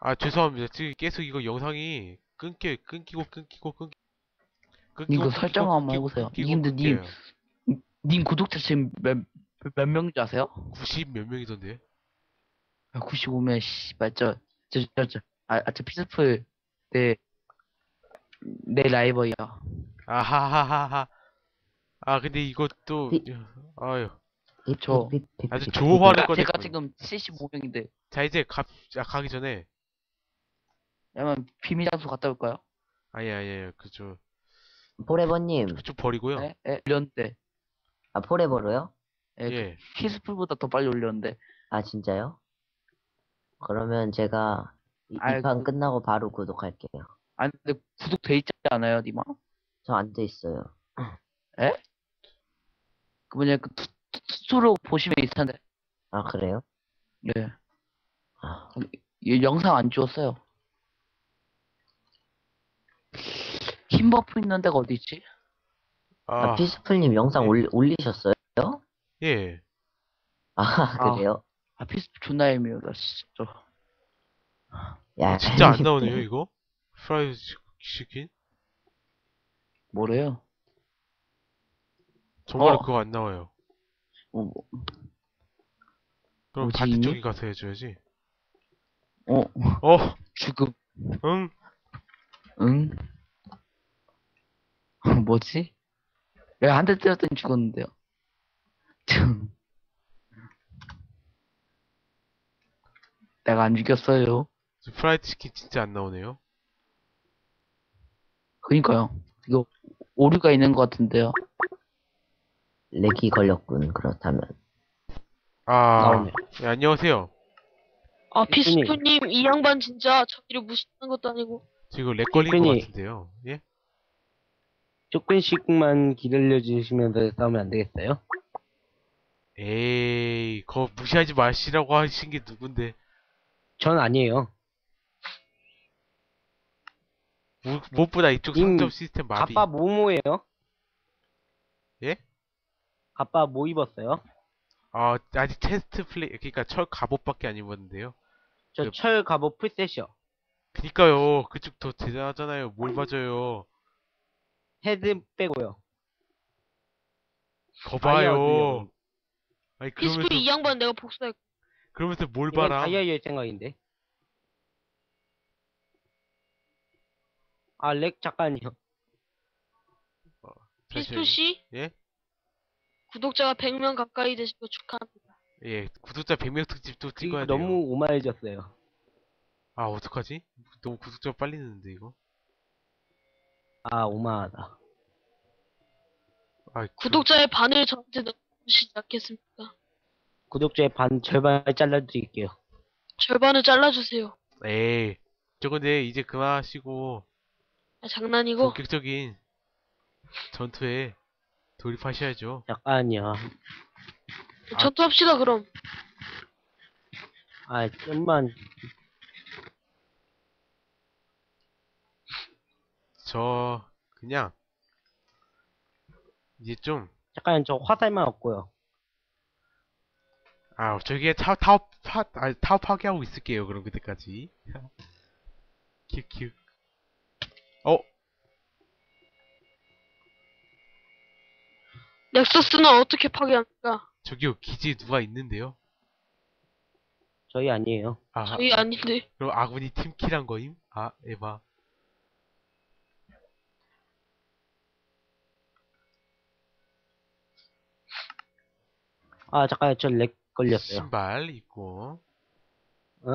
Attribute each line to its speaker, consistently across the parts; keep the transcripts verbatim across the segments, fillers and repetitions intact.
Speaker 1: 아, 죄송합니다. 지금 계속 이거 영상이 끊겨, 끊기고, 끊기고, 끊기, 끊기고,
Speaker 2: 이거
Speaker 1: 끊기고,
Speaker 2: 설정 한번
Speaker 1: 끊기고,
Speaker 2: 해보세요.
Speaker 1: 끊기고,
Speaker 2: 님들 님,
Speaker 1: 끊겨요.
Speaker 2: 님 구독자 지금 몇, 몇 명인지 아세요?
Speaker 1: 구십 몇 명이던데.
Speaker 2: 구십오 명, 씨발, 저, 저, 저, 저, 아, 아, 저 피스풀, 내, 내 라이벌이야.
Speaker 1: 아하하하하. 아, 근데 이것도,
Speaker 3: 삐,
Speaker 1: 아유,
Speaker 3: 삐, 삐,
Speaker 2: 저,
Speaker 3: 삐, 삐,
Speaker 1: 아주
Speaker 3: 삐, 삐, 삐, 삐.
Speaker 1: 조화를
Speaker 2: 제가
Speaker 1: 꺼냈군.
Speaker 2: 지금 칠십오 명인데,
Speaker 1: 자, 이제 가, 아, 가기 전에,
Speaker 2: 야만 비밀 장소 갔다 올까요?
Speaker 1: 아니, 아니, 아니, 그쪽,
Speaker 3: 포레버님,
Speaker 1: 그쪽 버리고요.
Speaker 2: 에? 에? 올렸는데,
Speaker 3: 아, 포레버로요?
Speaker 2: 에, 그
Speaker 1: 예.
Speaker 2: 피스풀보다 더 빨리 올렸는데,
Speaker 3: 아, 진짜요? 그러면 제가 이
Speaker 2: 아,
Speaker 3: 판
Speaker 2: 그,
Speaker 3: 끝나고 바로 구독할게요.
Speaker 2: 아, 근데 구독돼 있지 않아요, 니마?
Speaker 3: 저 안 돼 있어요.
Speaker 2: 에? 그 뭐냐, 그, 투, 투, 투로 보시면 있을 텐데,
Speaker 3: 아, 그래요?
Speaker 2: 네.
Speaker 3: 아,
Speaker 2: 이 영상 안 찍었어요. 흰 버프 있는 데가 어디 있지?
Speaker 3: 아,
Speaker 1: 아,
Speaker 3: 피스풀님 영상
Speaker 1: 네.
Speaker 3: 올리, 올리셨어요?
Speaker 1: 예.
Speaker 3: 아,
Speaker 2: 아,
Speaker 3: 그래요?
Speaker 2: 아 피스풀 존나 애매하다, 진짜.
Speaker 3: 야,
Speaker 1: 어, 진짜 안
Speaker 3: 이게
Speaker 1: 나오네요, 이거? 프라이드 치- 치킨?
Speaker 2: 뭐래요?
Speaker 1: 정말로
Speaker 2: 어,
Speaker 1: 그거 안 나와요.
Speaker 2: 어, 뭐,
Speaker 1: 그럼
Speaker 2: 뭐지,
Speaker 1: 반대쪽에
Speaker 2: 있니?
Speaker 1: 가서 해줘야지.
Speaker 2: 어,
Speaker 1: 어,
Speaker 2: 죽음,
Speaker 1: 응?
Speaker 2: 응? 뭐지? 왜 한 대 때렸더니 죽었는데요? 내가 안 죽였어요.
Speaker 1: 프라이드 치킨 진짜 안 나오네요.
Speaker 2: 그니까요. 이거 오류가 있는 것 같은데요.
Speaker 3: 렉이 걸렸군, 그렇다면.
Speaker 1: 아,
Speaker 4: 나오네.
Speaker 1: 예, 안녕하세요.
Speaker 5: 아,
Speaker 4: 피스님.
Speaker 5: 피스프님, 이 양반 진짜 저희를 무시하는 것도 아니고.
Speaker 1: 지금 렉 걸린 것
Speaker 4: 피크닉.
Speaker 1: 같은데요. 예?
Speaker 4: 조금씩만 기다려주시면서 싸우면 안 되겠어요?
Speaker 1: 에이, 그거 무시하지 마시라고 하신 게 누군데.
Speaker 4: 전 아니에요.
Speaker 1: 무, 무엇보다 이쪽
Speaker 4: 님,
Speaker 1: 상점 시스템 마비.
Speaker 4: 갑바 뭐뭐예요?
Speaker 1: 예?
Speaker 4: 갑바 뭐 입었어요?
Speaker 1: 아, 아직 테스트 플레이, 그니까 철 갑옷밖에 안 입었는데요.
Speaker 4: 저
Speaker 1: 그-
Speaker 4: 철 갑옷 풀셋이요.
Speaker 1: 그니까요, 그쪽 더 대단하잖아요. 뭘 맞아요.
Speaker 4: 헤드 빼고요.
Speaker 1: 거
Speaker 4: 다이아
Speaker 1: 봐요.
Speaker 4: 얻으려고.
Speaker 1: 아니,
Speaker 5: 피스프
Speaker 1: 그러면서,
Speaker 5: 이 양반 내가 복수할.
Speaker 1: 그러면서 뭘
Speaker 4: 이건
Speaker 1: 봐라.
Speaker 4: 다이아일 생각인데. 아, 렉 잠깐요.
Speaker 5: 피스프
Speaker 1: 잠시만요.
Speaker 5: 씨,
Speaker 1: 예?
Speaker 5: 구독자가 백 명 가까이 되신 거 축하합니다.
Speaker 1: 예, 구독자 백 명 특집도
Speaker 4: 이거
Speaker 1: 찍어야 돼요.
Speaker 4: 너무 오마해졌어요.
Speaker 1: 아, 어떡하지? 너무 구독자 빨리 느는데, 이거.
Speaker 4: 아, 오마하다.
Speaker 1: 아, 그-
Speaker 5: 구독자의 반을 저한테 넣어주시지 않겠습니까?
Speaker 4: 구독자의 반, 절반 잘라드릴게요.
Speaker 5: 절반을 잘라주세요.
Speaker 1: 에이, 저 근데 이제 그만하시고
Speaker 5: 아, 장난이고.
Speaker 1: 본격적인 전투에 돌입하셔야죠.
Speaker 4: 잠깐요.
Speaker 1: 아.
Speaker 5: 전투합시다, 그럼.
Speaker 4: 아, 좀만.
Speaker 1: 저 그냥 이제 좀
Speaker 4: 잠깐, 저 화살만 얻고요.
Speaker 1: 아, 저기에 타, 타워 파, 아, 타워 파괴하고 있을게요. 그럼 그때까지. 큐큐. 어,
Speaker 5: 넥서스는 어떻게 파괴합니까?
Speaker 1: 저기요 기지에 누가 있는데요?
Speaker 4: 저희 아니에요.
Speaker 1: 아,
Speaker 5: 저희 아닌데.
Speaker 1: 그럼 아군이 팀킬한 거임? 아, 에바.
Speaker 4: 아, 잠깐, 저 렉 걸렸어요.
Speaker 1: 신발 있고.
Speaker 4: 어?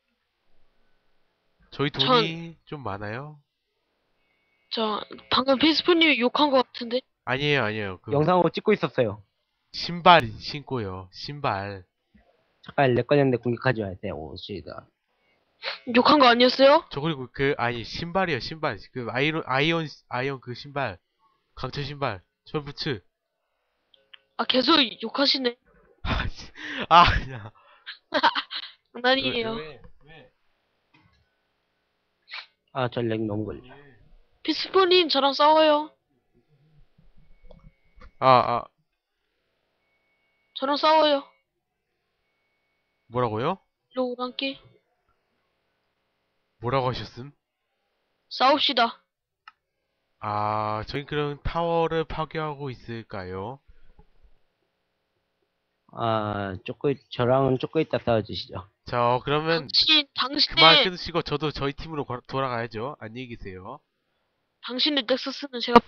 Speaker 1: 저희 돈이 좀 많아요?
Speaker 5: 저, 방금 피스프님이 욕한 것 같은데?
Speaker 1: 아니에요, 아니에요. 그
Speaker 4: 영상으로 찍고 있었어요.
Speaker 1: 신발 신고요. 신발.
Speaker 4: 잠깐, 렉 걸렸는데 공격하지 마세요. 오, 씨다.
Speaker 5: 욕한 거 아니었어요?
Speaker 1: 저 그리고 그 아니 신발이요 신발. 그 아이론 아이언 아이언 그 신발. 강철 신발. 철부츠.
Speaker 5: 아, 계속 욕하시네.
Speaker 1: 아, 씨. 아, 그냥.
Speaker 5: 장난이에요.
Speaker 1: 왜, 왜?
Speaker 4: 아, 저 렉 너무 걸려.
Speaker 5: 피스프님, 저랑 싸워요.
Speaker 1: 아, 아,
Speaker 5: 저랑 싸워요.
Speaker 1: 뭐라고요?
Speaker 5: 일로 오란께.
Speaker 1: 뭐라고 하셨음?
Speaker 5: 싸웁시다.
Speaker 1: 아, 저희 그럼 타워를 파괴하고 있을까요?
Speaker 4: 아, 조금, 저랑은 조금 이따 싸워주시죠.
Speaker 1: 자, 그러면
Speaker 5: 당신,
Speaker 1: 그만
Speaker 5: 당신의,
Speaker 1: 끊으시고 저도 저희 팀으로 거- 돌아가야죠. 안녕히 계세요.
Speaker 5: 당신의 넥서스는 제가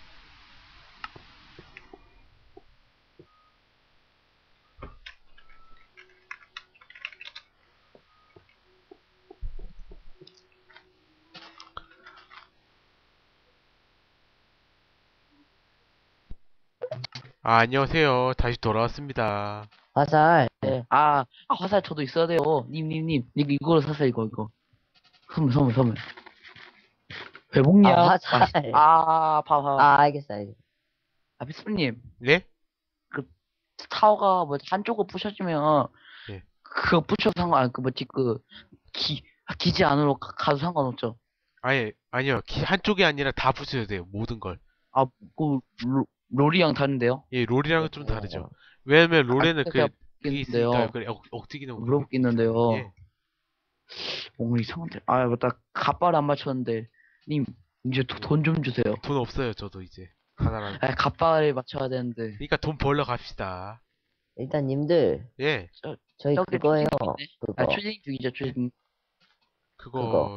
Speaker 1: 아, 안녕하세요. 다시 돌아왔습니다.
Speaker 3: 화살.
Speaker 2: 네. 아, 아, 화살 저도 있어야 돼요. 님, 님, 님. 이거, 이거로 사세요, 이거, 이거. 선물, 선물, 선물. 회복약.
Speaker 3: 아, 화살.
Speaker 2: 아, 봐, 봐.
Speaker 3: 아, 알겠어, 알겠어.
Speaker 2: 아, 비스님.
Speaker 1: 네?
Speaker 2: 타워가 뭐 한쪽을 부셔주면
Speaker 1: 예.
Speaker 2: 그거 부셔도 상관 아니 그 뭐지 그 기, 기지 안으로 가, 가도 상관없죠.
Speaker 1: 아니, 아니요. 기- 한쪽이 아니라 다 부셔야 돼요. 모든 걸.
Speaker 2: 아, 그 로, 롤이랑 다른데요?
Speaker 1: 예, 롤이랑은 좀 다르죠. 왜냐면 롤에는 그,
Speaker 2: 제가
Speaker 1: 그게
Speaker 2: 있는데요.
Speaker 1: 있으니까, 그 억, 억지 기능.
Speaker 2: 물어보겠는데요.
Speaker 1: 예.
Speaker 2: 오늘 이상한데. 아, 맞다. 갓발 안 맞췄는데. 님, 이제 돈 좀 주세요.
Speaker 1: 돈 없어요, 저도 이제. 하나랑.
Speaker 2: 아, 갓발을 맞춰야 되는데.
Speaker 1: 그러니까 돈 벌러 갑시다.
Speaker 3: 일단 님들,
Speaker 1: 예,
Speaker 3: 저희
Speaker 2: 저기
Speaker 3: 그거예요.
Speaker 2: 초딩 중이네. 아,
Speaker 3: 그거.
Speaker 2: 초딩 중이죠, 초딩.
Speaker 1: 그거.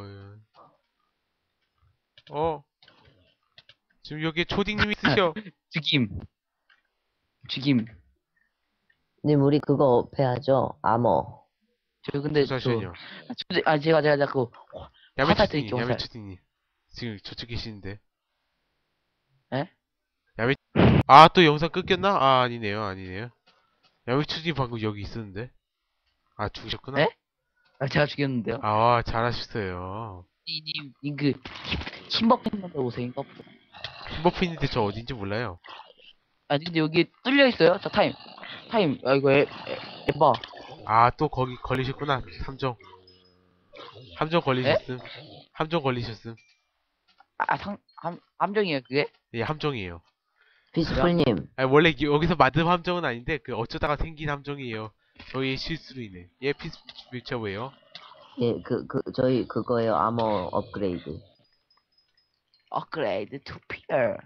Speaker 1: 어. 지금 여기 초딩님이 쓰셔.
Speaker 2: 죽임. 죽임.
Speaker 3: 님, 우리 그거 패야죠. 아머.
Speaker 2: 저 근데 저,
Speaker 1: 잠시만요.
Speaker 2: 아, 초딩, 아, 제가, 제가 자꾸 화살
Speaker 1: 야매초딩님,
Speaker 2: 드릴게요, 화살.
Speaker 1: 야매초딩님. 지금 저쪽 계시는데.
Speaker 2: 에?
Speaker 1: 야매, 아, 또 영상 끊겼나? 아, 아니네요, 아니네요. 야매초딩 방금 여기 있었는데. 아, 죽으셨구나?
Speaker 2: 에? 아, 제가 죽였는데요.
Speaker 1: 아, 잘하셨어요.
Speaker 2: 님, 님, 그, 신박 팬분들 오세요, 인가 보다.
Speaker 1: 킴버프인데 저 어딘지 몰라요.
Speaker 2: 아니, 근데 여기 뚫려 있어요? 자, 타임. 타임. 아, 이거 에, 에, 에바.
Speaker 1: 아, 또 거기 걸리셨구나. 함정. 함정 걸리셨음. 함정 걸리셨음.
Speaker 2: 아, 상, 함, 함정이에요, 그게?
Speaker 1: 예, 함정이에요.
Speaker 3: 피스풀님,
Speaker 1: 아, 원래 이- 여기서 만든 함정은 아닌데, 그 어쩌다가 생긴 함정이에요. 저희의 실수로 인해. 예, 피스, 뮤처 왜요?
Speaker 3: 예, 그, 그, 저희 그거예요. 아머 업그레이드.
Speaker 2: 업그레이드 투 피어.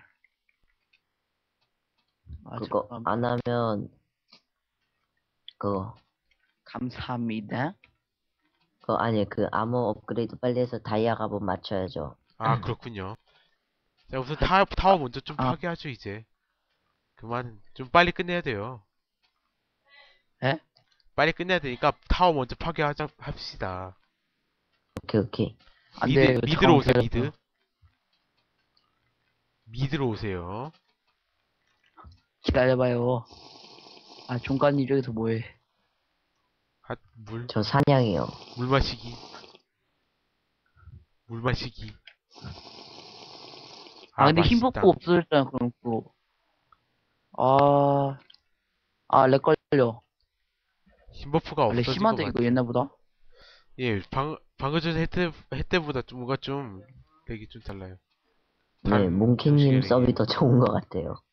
Speaker 2: 아,
Speaker 3: 그거
Speaker 2: 잠깐만.
Speaker 3: 안 하면, 그거,
Speaker 2: 감사합니다.
Speaker 3: 그거 아니, 그 아머 업그레이드 빨리 해서 다이아 값은 맞춰야죠.
Speaker 1: 아, 그렇군요. 자, 우선 타, 타워 먼저 좀
Speaker 2: 아.
Speaker 1: 파괴하죠, 이제. 그만, 좀 빨리 끝내야 돼요.
Speaker 2: 에?
Speaker 1: 빨리 끝내야 되니까 타워 먼저 파괴하자, 합시다.
Speaker 3: 오케이, 오케이.
Speaker 2: 안
Speaker 1: 미드,
Speaker 2: 돼, 이거
Speaker 1: 미드로 오세요,
Speaker 2: 잠깐만
Speaker 1: 미드.
Speaker 2: 기다려봐.
Speaker 1: 미드로 오세요.
Speaker 2: 기다려봐요. 아, 종관님 저기서 뭐해?
Speaker 1: 아, 물,
Speaker 3: 저 사냥이요.
Speaker 1: 물 마시기. 물 마시기.
Speaker 2: 아, 근데 힘
Speaker 1: 맛있다.
Speaker 2: 뽑고 없어졌잖아, 그럼 그거. 아, 아, 렉 걸려.
Speaker 1: 힘버프가
Speaker 2: 렉
Speaker 1: 없어진
Speaker 2: 심한데,
Speaker 1: 것
Speaker 2: 이거
Speaker 1: 같아.
Speaker 2: 옛날보다?
Speaker 1: 예, 방, 방금 전에 해 때보다 좀 뭔가 좀 렉이 좀 달라요.
Speaker 3: 네,
Speaker 1: 다른
Speaker 3: 몽키님
Speaker 1: 형식의
Speaker 3: 서비
Speaker 1: 렉이.
Speaker 3: 더 좋은 것 같아요.